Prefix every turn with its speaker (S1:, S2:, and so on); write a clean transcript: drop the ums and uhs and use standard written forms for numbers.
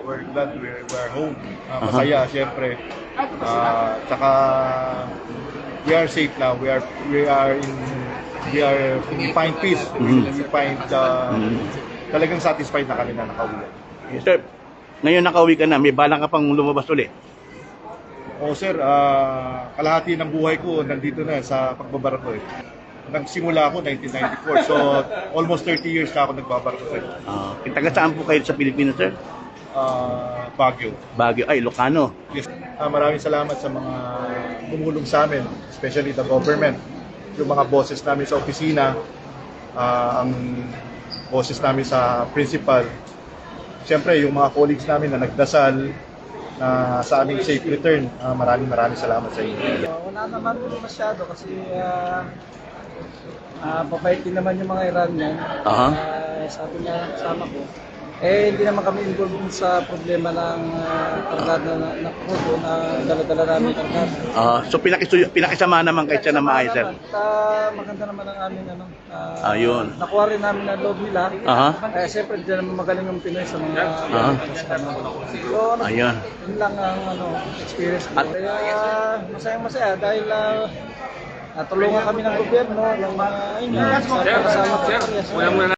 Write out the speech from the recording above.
S1: we're glad we're home. Masaya, siyempre. Tsaka we are safe now. We find peace. We find talagang satisfied na kami na nakauwi.
S2: Yes, sir, ngayon nakauwi ka na, may balak ka pang lumabas ulit.
S1: Oo sir, kalahati ng buhay ko nandito na sa pagbabarko eh. Nagsimula ako 1994, so almost 30 years na ako nagbabarko sir.
S2: Taga saan po kayo sa Pilipinas, sir?
S1: Baguio.
S2: Baguio, ay, Ilocano.
S1: Yes. Maraming salamat sa mga tumulong sa amin, especially the government. Yung mga bosses namin sa opisina, ang bosses namin sa principal. Siyempre, yung mga colleagues namin na nagdasal na sa aming safe return, maraming salamat sa inyo.
S3: Wala naman masyado kasi babait din naman yung mga Iranian. Sabi niya kasama ko, hindi naman kami involved sa problema ng kargada na crudo na dala-dala namin kargada.
S2: So pinakisama naman kayo siya na maayos, sir?
S3: Maganda naman ang aming
S2: Ayun.
S3: nakuha rin namin ang loob nila. Kaya siyempre hindi naman magaling yung Pinoy sa mga So
S2: ayun.
S3: yun lang ang experience ko. Kaya masayang-masaya dahil tulungan kami ng gobyerno, ng mga kasama ko.